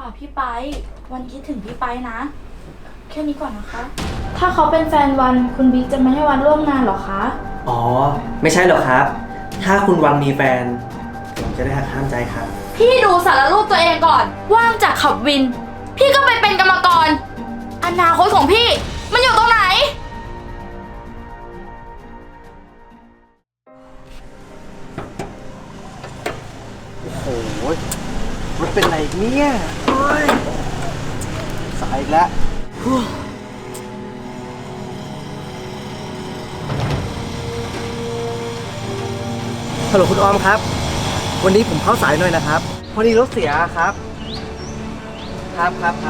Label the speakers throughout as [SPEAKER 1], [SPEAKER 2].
[SPEAKER 1] พี่ไปวันคิดถึงพี่ไปนะ แค่นี้ก่อนนะคะ ถ้าเขาเป็นแฟนวันคุณบิ๊กจะไม่ให้วันร่วมงานหรอคะ
[SPEAKER 2] อ๋อไม่ใช่หรอกครับถ้าคุณวันมีแฟนผมจะได้หักห้ามใจครับ
[SPEAKER 1] พี่ดูสารรูปตัวเองก่อน ว่างจากขับวิน พี่ก็ไปเป็นกรรมกร อนาคตของพี่มันอยู่ตรงไหน
[SPEAKER 2] โอ้โหมันเป็นอะไรเนี่ยเฮ้ยสายอีกแล้วฮัลโหลคุณออมครับ วันนี้ผมเข้าสายหน่อยนะครับพอดีรถเสียครับครับ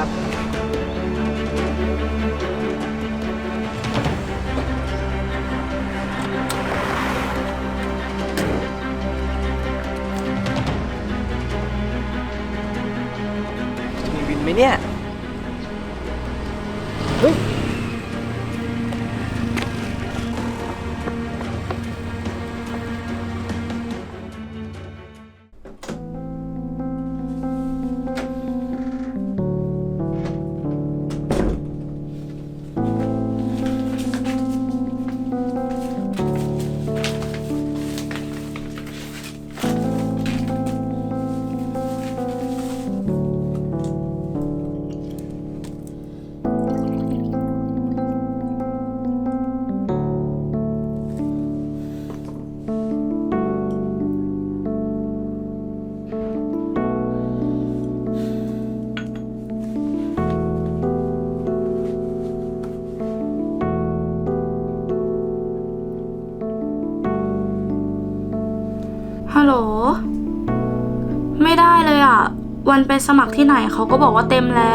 [SPEAKER 2] มีวินไหมเนี่ย เฮ้ย
[SPEAKER 1] ฮัลโหล ไม่ได้เลยอ่ะ วันไปสมัครที่ไหนเขาก็บอกว่าเต็มแล้ว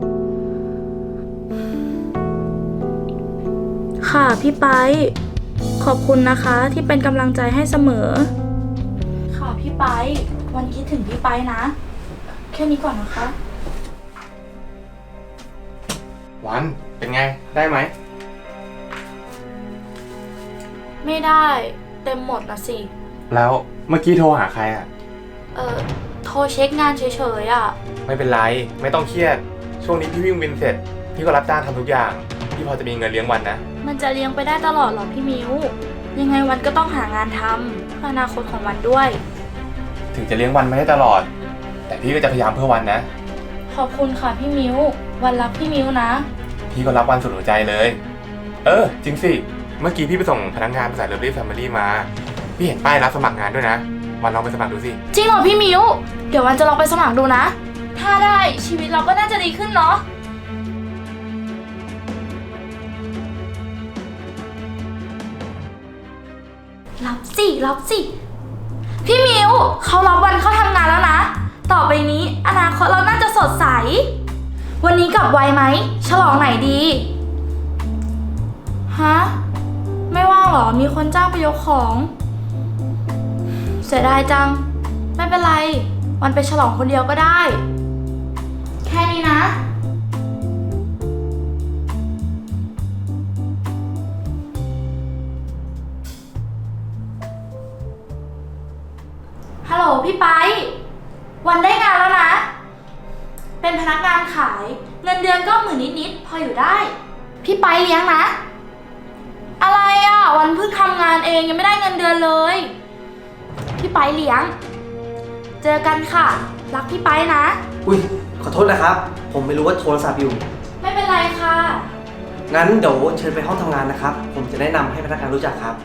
[SPEAKER 1] ค่ะพี่ไปขอบคุณนะคะที่เป็นกำลังใจให้เสมอ ค่ะพี่ไปวันคิดถึงพี่ไปนะ แค่นี้ก่อนนะคะ
[SPEAKER 3] วันเป็นไงได้ไหม
[SPEAKER 1] ไม่ได้เต็มหมดนะสิ
[SPEAKER 3] แล้วเมื่อกี้โทรหาใครอ่ะ
[SPEAKER 1] โทรเช็คงานเฉยๆอ่ะ
[SPEAKER 3] ไม่เป็นไรไม่ต้องเครียดช่วงนี้พี่วิ่งวินเสร็จพี่ก็รับจ้างทำทุกอย่างพี่พอจะมีเงินเลี้ยงวันนะ
[SPEAKER 1] มันจะเลี้ยงไปได้ตลอดหรอพี่มิ้ว ยังไงวันก็ต้องหางานทำเพื่ออนาคตของวันด้วย
[SPEAKER 3] ถึงจะเลี้ยงวันไม่ได้ตลอด แต่พี่ก็จะพยายามเพื่อวันนะ
[SPEAKER 1] ขอบคุณค่ะพี่มิ้ว วันรักพี่มิ้วนะ
[SPEAKER 3] พี่ก็รับวันสุดหัวใจเลย จริงสิเมื่อกี้พี่ไปส่งพนักงานบริษัทเลิฟลี่แฟมิลี่มาพี่เห็นป้ายรับสมัครงานด้วยนะวันลองไปสมัครดูสิ
[SPEAKER 1] จริงเหรอพี่มิ้ว เดี๋ยววันจะลองไปสมัครดูนะ ถ้าได้ชีวิตเราก็น่าจะดีขึ้นเนาะ รับสิ พี่มิ้วเขารับวันเข้าทำงานแล้วนะ ต่อไปนี้อนาคตเราน่าจะสดใส วันนี้กลับไวไหม ฉลองไหนดี ฮะ ไม่ว่างเหรอ มีคนจ้างไปยกของ เสียดายจัง ไม่เป็นไร วันไปฉลองคนเดียวก็ได้ แค่นี้นะ ฮัลโหลพี่ไป วันได้งานแล้วนะ เป็นพนักงานขาย เงินเดือนก็10,000นิดๆพออยู่ได้ พี่ไปเลี้ยงนะ อะไรอ่ะ วันเพิ่งทำงานเองยังไม่ได้เงินเดือนเลย พี่ไปเลี้ยง เจอกันค่ะ รักพี่ไปนะ
[SPEAKER 2] อุ้ยขอโทษนะครับ ผมไม่รู้ว่าโทรศัพท์อยู่
[SPEAKER 1] ไม่เป็นไรค่ะ
[SPEAKER 2] งั้นเดี๋ยวเชิญไปห้องทำงานนะครับ ผมจะแนะนำให้พนักงานรู้จักครับ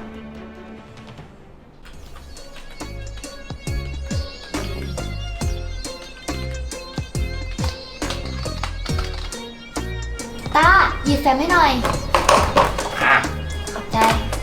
[SPEAKER 4] ต้าหยิบแฟ้มให้หน่อย
[SPEAKER 3] อ่ะ
[SPEAKER 4] ขอบใจ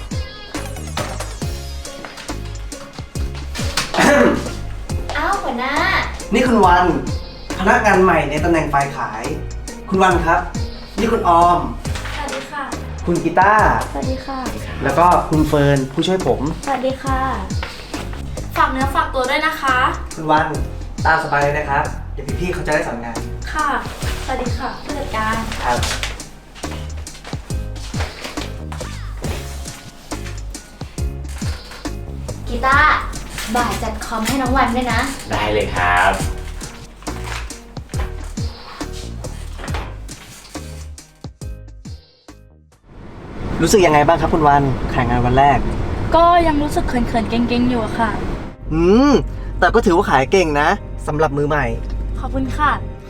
[SPEAKER 4] อ้าวหัวหน้า
[SPEAKER 2] นี่คุณวันพนักงานใหม่ในตำแหน่งฝ่ายขาย คุณวันครับ นี่คุณออม
[SPEAKER 1] สวัสดีค่ะ
[SPEAKER 2] คุณกีตาร์
[SPEAKER 1] สวัสดีค่ะ
[SPEAKER 2] แล้วก็คุณเฟิร์นผู้ช่วยผม
[SPEAKER 1] สวัสดีค่ะ ฝากเนื้อฝากตัวด้วยนะคะ
[SPEAKER 2] คุณวันตามสบายเลยนะครับ เดี๋ยวพี่ๆเขาจะได้สอนงาน
[SPEAKER 1] ค่ะ สวัสดีค่ะผู้จัดการ
[SPEAKER 2] ครับ
[SPEAKER 4] กีตาร์บ่ายจัดคอมให้น้องวันด้วยนะ
[SPEAKER 3] ได้เลยครับ
[SPEAKER 2] รู้สึกยังไงบ้างครับคุณวันแข่งงานวันแรก
[SPEAKER 1] ก็ยังรู้สึกเขินๆเก่งๆอยู่อะค่ะ
[SPEAKER 2] แต่ก็ถือว่าขายเก่งนะสำหรับมือใหม่
[SPEAKER 1] ขอบคุณค่ะ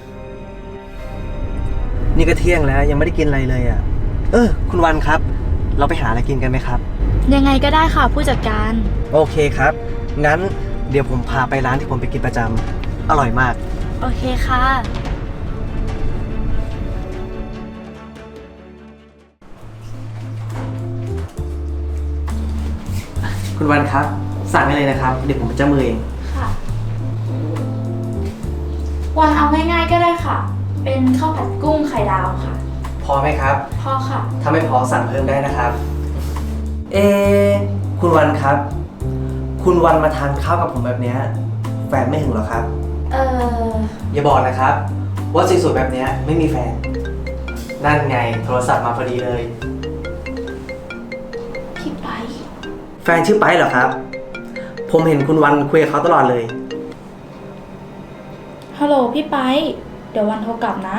[SPEAKER 2] นี่ก็เที่ยงแล้วยังไม่ได้กินอะไรเลยอ่ะ คุณวันครับ เราไปหาอะไรกินกันไหมครับ
[SPEAKER 1] ยังไงก็ได้ค่ะผู้จัดการ
[SPEAKER 2] โอเคครับ งั้นเดี๋ยวผมพาไปร้านที่ผมไปกินประจำอร่อยมาก
[SPEAKER 1] โอเคค่ะ
[SPEAKER 2] คุณวันครับ สั่งได้เลยนะครับ เดี๋ยวผมเป็นเจ้ามือเอง
[SPEAKER 1] ค่ะ วันเอาง่ายๆก็ได้ค่ะ เป็นข้าวผัดกุ้งไข่ดาวค่ะ
[SPEAKER 2] พอไหมครับ
[SPEAKER 1] พอค่ะ
[SPEAKER 2] ถ้าไม่พอสั่งเพิ่มได้นะครับ คุณวันครับ คุณวันมาทานข้าวกับผมแบบเนี้ยแฟนไม่หึงหรอครับ อย่าบอกนะครับ ว่าสวยๆแบบเนี้ยไม่มีแฟน นั่นไงโทรศัพท์มาพอดีเลย
[SPEAKER 1] พี่ไป
[SPEAKER 2] แฟนชื่อไปเหรอครับ ผมเห็นคุณวันคุยกับเขาตลอดเลย
[SPEAKER 1] ฮัลโหลพี่ไป เดี๋ยววันโทรกลับนะ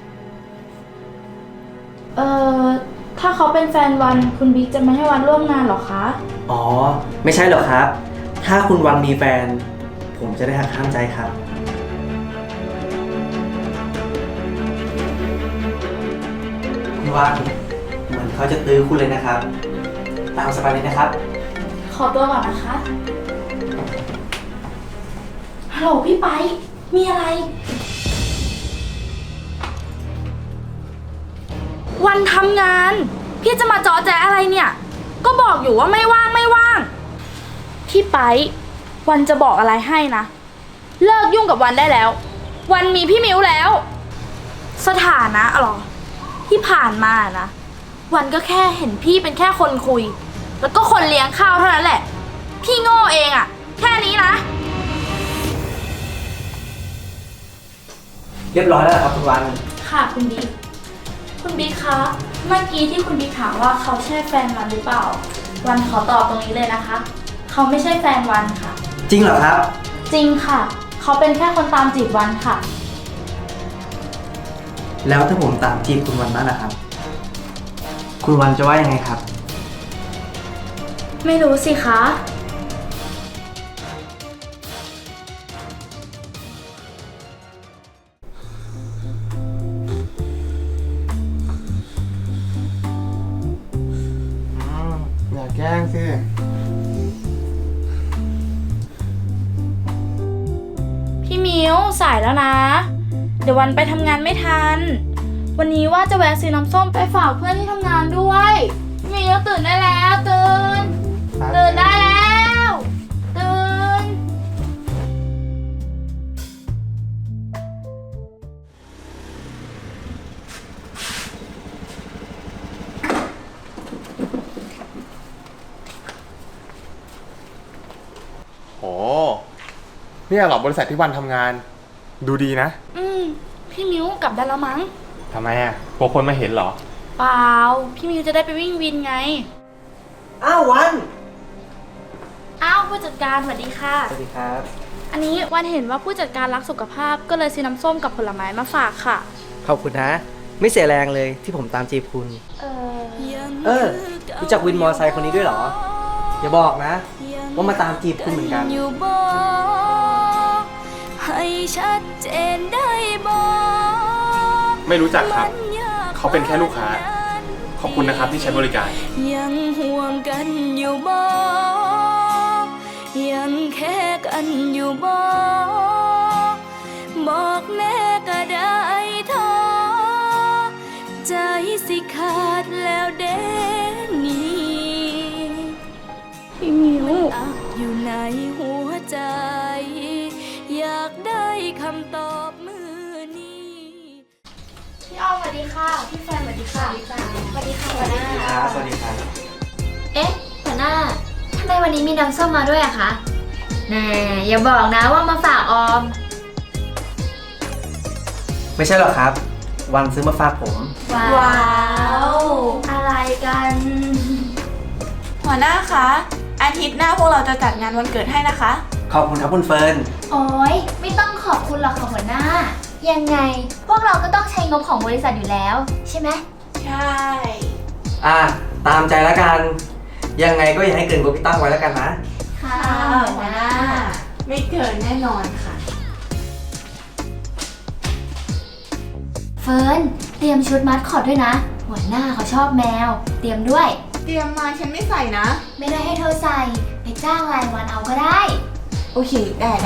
[SPEAKER 1] ถ้าเขาเป็นแฟนวันคุณบิ๊กจะไม่ให้วันร่วมงานหรอคะ
[SPEAKER 2] อ๋อ ไม่ใช่หรอกครับ ถ้าคุณวันมีแฟน ผมจะได้หักห้ามใจครับ คุณวันเหมือนเขาจะตื้อคุณเลยนะครับ ตามสบายเลยนะครับ
[SPEAKER 1] ขอตัวก่อนนะคะ ฮัลโหลพี่ไป มีอะไร วันทำงาน พี่จะมาจอแจอะไรเนี่ย ก็บอกอยู่ว่าไม่ว่างไม่ว่าง พี่ไป วันจะบอกอะไรให้นะ เลิกยุ่งกับวันได้แล้ว วันมีพี่มิวแล้ว สถานะหรอ ที่ผ่านมานะ วันก็แค่เห็นพี่เป็นแค่คนคุย แล้วก็คนเลี้ยงข้าวเท่านั้นแหละ พี่โง่เองอะแค่นี้นะ
[SPEAKER 2] เรียบร้อยแล้วเหรอครับคุณวัน
[SPEAKER 1] ค่ะคุณบิ๊ก คุณบิ๊กคะ เมื่อกี้ที่คุณบิ๊กถามว่าเขาใช่แฟนวันหรือเปล่า วันขอตอบตรงนี้เลยนะคะ เขาไม่ใช่แฟนวันค่ะ
[SPEAKER 2] จริงเหรอครับ
[SPEAKER 1] จริงค่ะ เขาเป็นแค่คนตามจีบวันค่ะ
[SPEAKER 2] แล้วถ้าผมตามจีบคุณวันบ้างนะครับ คุณวันจะว่ายังไงครับ
[SPEAKER 1] ไม่รู้สิคะ
[SPEAKER 3] อย่าแกล้งสิ
[SPEAKER 1] พี่มิวสายแล้วนะ เดี๋ยววันไปทำงานไม่ทัน วันนี้ว่าจะแวะซื้อน้ำส้มไปฝากเพื่อนที่ทำงานด้วยพี่มิวตื่นได้แล้วตื่นได้แล้วตื่น
[SPEAKER 3] โหเนี่ยเหรอบริษัทที่วันทำงาน ดูดีนะ
[SPEAKER 1] พี่มิวกลับได้แล้วมั้ง
[SPEAKER 3] ทำไมอ่ะกลัวคนมาเห็นเหรอ
[SPEAKER 1] เปล่า พี่มิวจะได้ไปวิ่งวินไง
[SPEAKER 2] อ้าววัน
[SPEAKER 1] อ้าวผู้จัดการสวัสดีค่ะ
[SPEAKER 2] สวัสดีครับ
[SPEAKER 1] อันนี้วันเห็นว่าผู้จัดการรักสุขภาพก็เลยซื้อน้ำส้มกับผลไม้มาฝากค่ะ
[SPEAKER 2] ขอบคุณนะ ไม่เสียแรงเลยที่ผมตามจีบคุณ รู้จักวินมอไซค์คนนี้ด้วยเหรอ อย่าบอกนะ ว่ามาตามจีบคุณเหมือนกัน
[SPEAKER 5] อยู่บ่ให้ชัดเจนได้บ่
[SPEAKER 3] ไม่รู้จักครับ เขาเป็นแค่ลูกค้า ขอบคุณนะครับที่ใช้บริการ
[SPEAKER 5] ยังห่วงกันอยู่บ่ยังแค่กันอยู่บ่บอกแน่ก็ได้ท้อใจสิขาดแล้วเด้นี่
[SPEAKER 1] พี่มิว
[SPEAKER 5] อักอยู่ในหัวใจ อยากได้คำตอบมือนี้
[SPEAKER 1] พี่อ้อมสวัสดีค่ะ พี่แฟนสวัสดีค่ะสวัสดีค่ะหัวหน้า
[SPEAKER 2] ครับสวัสดีครับ
[SPEAKER 4] เอ๊ะหัวหน้าทำไมวันนี้มีน้ำส้มมาด้วยอะคะแน่อย่าบอกนะว่ามาฝากออม
[SPEAKER 2] ไม่ใช่หรอกครับ วันซื้อมาฝากผม
[SPEAKER 1] ว้าว อะไรกัน
[SPEAKER 6] หัวหน้าคะ อาทิตย์หน้าพวกเราจะจัดงานวันเกิดให้นะคะ
[SPEAKER 2] ขอบคุณครับคุณเฟิร์น
[SPEAKER 4] โอ๊ย ไม่ต้องขอบคุณหรอกค่ะหัวหน้า ยังไง พวกเราก็ต้องใช้งบของบริษัทอยู่แล้ว ใช่ไหม
[SPEAKER 6] ใช่
[SPEAKER 2] อ่ะตามใจแล้วกัน ยังไงก็อย่าให้เกินกว่าพี่ตั้งไว้แล้วกันนะ
[SPEAKER 4] ค่ะ
[SPEAKER 6] หัวหน้า ไม่เกินแน่นอนค่ะ
[SPEAKER 4] เฟิร์นเตรียมชุดมัดคอตด้วยนะ หัวหน้าเขาชอบแมว เตรียมด้วย
[SPEAKER 6] เตรียมมาฉันไม่ใส่นะ
[SPEAKER 4] ไม่ได้ให้เธอใส่ ไปจ้างรายวันเอาก็ได้
[SPEAKER 6] โอเค ได้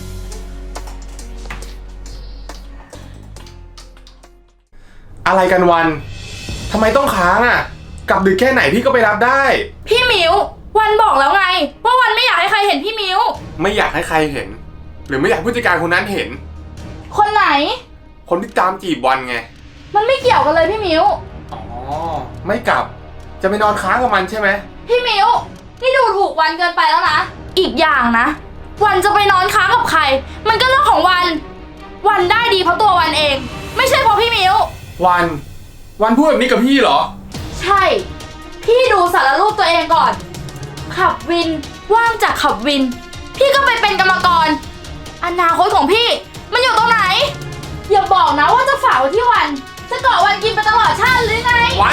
[SPEAKER 3] อะไรกันวันทำไมต้องค้างอ่ะ กลับดึกแค่ไหนพี่ก็ไปรับได้
[SPEAKER 1] พี่มิววันบอกแล้วไง ว่าวันไม่อยากให้ใครเห็นพี่มิว
[SPEAKER 3] ไม่อยากให้ใครเห็น หรือไม่อยากให้ผู้จัดการคนนั้นเห็น
[SPEAKER 1] คนไหน
[SPEAKER 3] คนที่ตามจีบวันไง
[SPEAKER 1] มันไม่เกี่ยวกันเลยพี่มิว
[SPEAKER 3] อ๋อ ไม่กลับ จะไปนอนค้างกับมันใช่ไหม
[SPEAKER 1] พี่มิวนี่ดูถูกวันเกินไปแล้วนะ อีกอย่างนะ วันจะไปนอนค้างกับใคร มันก็เรื่องของวัน วันได้ดีเพราะตัววันเอง ไม่ใช่เพราะพี่มิว
[SPEAKER 3] วันพูดแบบนี้กับพี่เหรอ
[SPEAKER 1] ใช่ พี่ดูสารรูปตัวเองก่อน ขับวิน ว่างจากขับวิน พี่ก็ไปเป็นกรรมกร อนาคตของพี่ มันอยู่ตรงไหน อย่าบอกนะว่าจะฝากไว้ที่วัน จะเกาะวันกินไปตลอดชาติหรือไง
[SPEAKER 3] วัน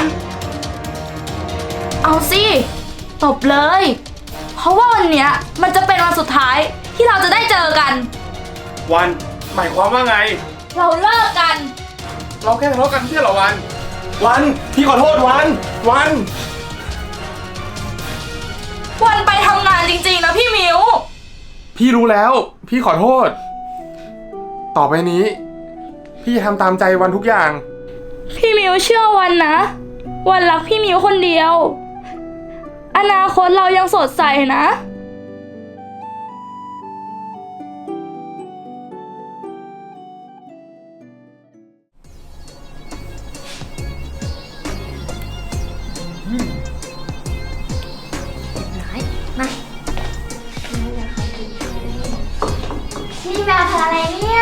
[SPEAKER 1] เอาสิ ตบเลย เพราะว่าวันเนี้ยมันจะเป็นวันสุดท้ายที่เราจะได้เจอกัน
[SPEAKER 3] วันหมายความว่าไง
[SPEAKER 1] เราเลิกกัน
[SPEAKER 3] เราแค่ทะเลาะกันไม่ใช่เหรอวันพี่ขอโทษวัน
[SPEAKER 1] วันไปทำงานจริงๆนะพี่มิว
[SPEAKER 3] พี่รู้แล้ว พี่ขอโทษ ต่อไปนี้ พี่จะทำตามใจวันทุกอย่าง
[SPEAKER 1] พี่มิวเชื่อวันนะ วันรักพี่มิวคนเดียว อนาคตเรายังสดใสนะ
[SPEAKER 4] มานี่แมวทำอะไรเนี่ย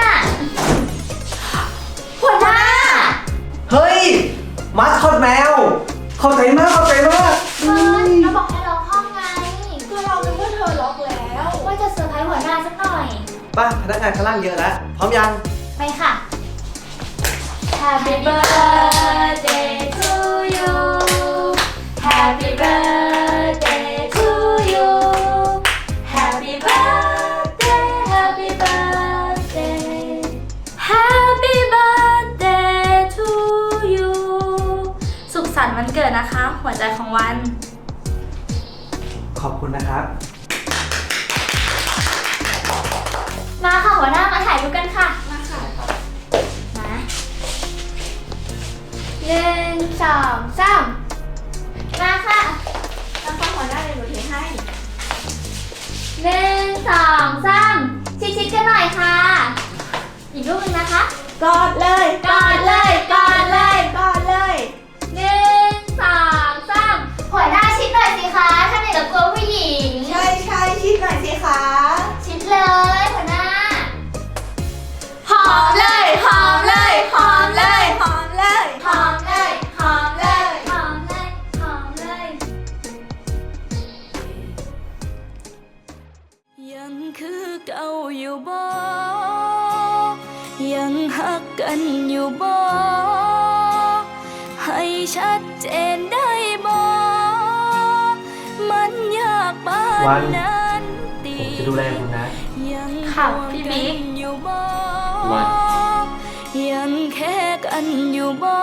[SPEAKER 4] หัวหน้า
[SPEAKER 2] เฮ้ย มาสคอตแมว เข้าใจมาก
[SPEAKER 4] เฟิร์นเราบอกให้ล็อกห้องไง
[SPEAKER 6] ก็เราคิดว่าเธอล็อกแล้ว
[SPEAKER 4] ว่าจะเซอร์ไพรส์หัวหน้าสักหน่อย
[SPEAKER 2] ป่ะพนักงานข้างล่างเยอะแล้ว พร้อมยัง
[SPEAKER 4] ไปค่ะ Happy birthday to you Happy birthday to you Happy birthday Happy birthday
[SPEAKER 1] Happy birthday to you สุขสันต์วันเกิดนะคะ หัวใจของวัน
[SPEAKER 2] ขอบคุณนะครับ
[SPEAKER 4] มาค่ะหัวหน้ามาถ่ายรูปกันค่ะ
[SPEAKER 6] มาค่ะ
[SPEAKER 4] มา1 2 3มาค่ะ
[SPEAKER 6] แล้วก็หัวหน้าเลยหนูถือให้
[SPEAKER 4] 1 2 3ชิดๆกันหน่อยค่ะ อีกรูปหนึงนะคะ
[SPEAKER 6] กอดเลย
[SPEAKER 4] กอดเลยกอดเลย
[SPEAKER 6] กอดเลย
[SPEAKER 4] 1 2 3หัวหน้าชิดหน่อยสิคะถ้าไหนจะกลัวผู้หญิง
[SPEAKER 6] ใช่ชิดหน่อยสิคะ
[SPEAKER 4] ชิดเลยหัวหน้า
[SPEAKER 6] หอมเลยหอมเลยหอมเลยหอมเลย
[SPEAKER 4] หอมเลยหอมเลยหอมเลยหอมเลย
[SPEAKER 5] ยังคือเก่าอยู่บ่ ยังฮักกันอยู่บ่ ให้ชัดเจนได้บ่ มันยากปาน
[SPEAKER 2] วัน
[SPEAKER 5] นั้นติ
[SPEAKER 2] ผมจะดูแลคุณนะ
[SPEAKER 5] ยัง
[SPEAKER 1] ค่ะพี่บิ๊ก
[SPEAKER 5] ห่วงนอยู่บ่
[SPEAKER 3] วัน
[SPEAKER 5] ยังแค่กันอยู่บ่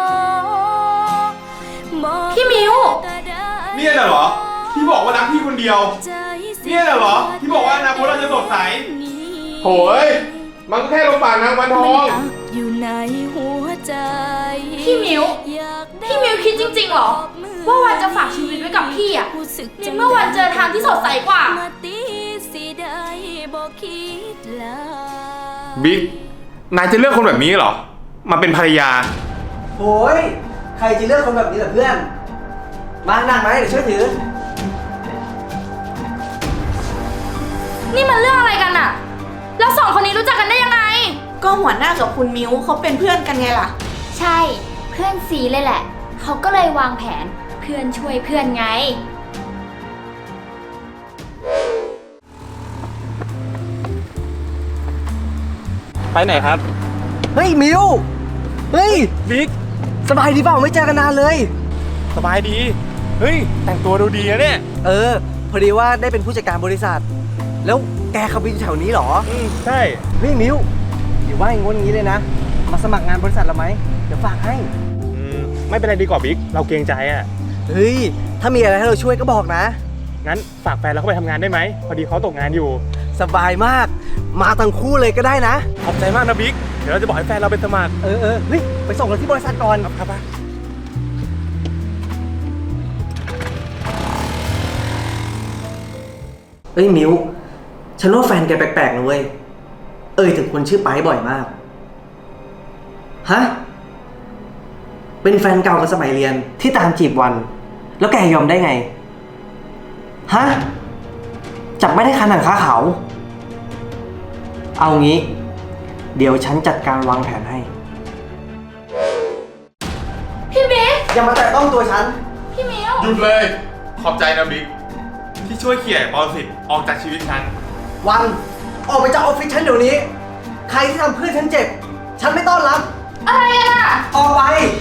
[SPEAKER 5] บอก
[SPEAKER 1] พี่มิว
[SPEAKER 5] ก็ได้
[SPEAKER 3] เนี่ยน่ะเหรอ ที่บอกว่ารักพี่คนเดียว
[SPEAKER 5] ใจสิ
[SPEAKER 3] เนี่ยน่ะเหรอ ที่บอกว่าอนาคตเราจะสดใส โหย มันก็แค่ลมปากนางวันทอง
[SPEAKER 5] อยู่ในหัวใจ
[SPEAKER 1] พี่มิว
[SPEAKER 5] อยากได้
[SPEAKER 1] พี่มิวคิดจริงๆเหรอ ว่าวันจะฝากชีวิตไว้กับพี่อะ
[SPEAKER 5] รู้สึก
[SPEAKER 1] ในเมื่อวันเจอทางที่สดใสกว่า
[SPEAKER 5] มาตีสิได้บอกคิดลา
[SPEAKER 3] บิ๊ก นายจะเลือกคนแบบนี้เหรอ มาเป็นภรรยา
[SPEAKER 2] โอ้ย ใครจะเลือกคนแบบนี้ล่ะเพื่อน มานั่งไหมเดี๋ยวช่วยถือ
[SPEAKER 1] นี่มันเรื่องอะไรกันอะแล้วสองคนนี้รู้จักกันได้ยังไง
[SPEAKER 6] ก็หัวหน้ากับคุณมิวเขาเป็นเพื่อนกันไงล่ะ
[SPEAKER 4] ใช่เพื่อนซีเลยแหละ เขาก็เลยวางแผนเพื่อนช่วยเพื่อนไง
[SPEAKER 2] ไปไหนครับ เฮ้ย มิว เฮ้ย
[SPEAKER 3] บิ๊ก
[SPEAKER 2] สบายดีเปล่าไม่เจอกันนานเลย
[SPEAKER 3] สบายดีเฮ้ย แต่งตัวดูดีนะเนี่ย
[SPEAKER 2] พอดีว่าได้เป็นผู้จัดการบริษัท แล้วแกขับวินแถวนี้เหรอ
[SPEAKER 3] ใช่
[SPEAKER 2] เฮ้ยมิวเดี๋ยวว่าอย่างงี้เลยนะ มาสมัครงานบริษัทเราไหมเดี๋ยวฝากให้
[SPEAKER 3] ไม่เป็นไรดีกว่าบิ๊ก เราเกรงใจอ่ะ
[SPEAKER 2] เฮ้ย ถ้ามีอะไรให้เราช่วยก็บอกนะ
[SPEAKER 3] งั้นฝากแฟนเราเข้าไปทำงานได้ไหม พอดีเขาตกงานอยู่
[SPEAKER 2] สบายมาก มาทั้งคู่เลยก็ได้นะ
[SPEAKER 3] ขอบใจมากนะบิ๊ก เดี๋ยวเราจะบอกให้แฟนเราเป็นสมัคร
[SPEAKER 2] เฮ้ย ไปส่งเราที่บริษัทก่อน
[SPEAKER 3] ครับ
[SPEAKER 2] เอ้ยมิวฉันว่าแฟนแกแปลกๆนะเว้ย ถึงคนชื่อไปบ่อยมาก ฮะ เป็นแฟนเก่ากันสมัยเรียนที่ตามจีบวัน แล้วแกยอมได้ไง ฮะ จับไม่ได้คาหนังคาเขา เอางี้ เดี๋ยวฉันจัดการวางแผนให้
[SPEAKER 1] พี่บิ๊ก
[SPEAKER 2] อย่ามาแตะต้องตัวฉัน
[SPEAKER 1] พี่มิว
[SPEAKER 3] หยุดเลย ขอบใจนะบิ๊ก ที่ช่วยเขี่ยปรสิตออกจากชีวิตฉัน
[SPEAKER 2] วัน ออกไปจากออฟฟิศฉันเดี๋ยวนี้ ใครที่ทำเพื่อนฉันเจ็บ ฉันไม่ต้อนรับ
[SPEAKER 1] อะไรกันอ่ะ
[SPEAKER 2] ออกไป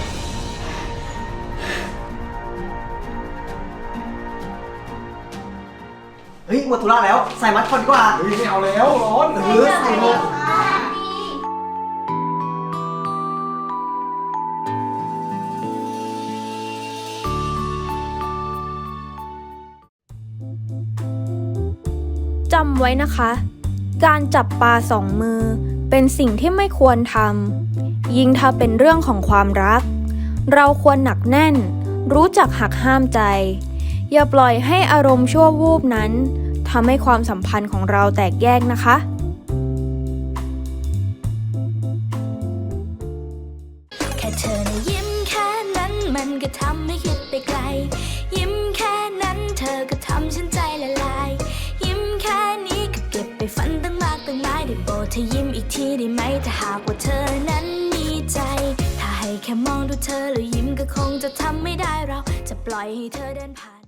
[SPEAKER 2] เฮ้ย หมดธุระแล้ว ใส่มัดก่อนดีกว่า
[SPEAKER 3] เฮ้ยไม่เอาแล้วร้อน
[SPEAKER 2] ใส่หมด
[SPEAKER 7] จำไว้นะคะ การจับปลาสองมือเป็นสิ่งที่ไม่ควรทำ ยิ่งถ้าเป็นเรื่องของความรัก เราควรหนักแน่น รู้จักหักห้ามใจ อย่าปล่อยให้อารมณ์ชั่ววูบนั้นทำให้ความสัมพันธ์ของเราแตกแยกนะคะ
[SPEAKER 5] แค่เธอนะยิ้มแค่นั้นมันก็ทำให้คิดไปไกล ยิ้มแค่นั้นเธอก็ทำฉันใจละลาย ยิ้มแค่นี้ก็เก็บไปฝันตั้งมากตั้งหลายได้โปรดเธอยิ้มอีกทีได้ไหมถ้าหากว่าเธอนั้นมีใจ ถ้าให้แค่มองดูเธอแล้วยิ้มก็คงจะทำไม่ได้เราจะปล่อยให้เธอเดินผ่าน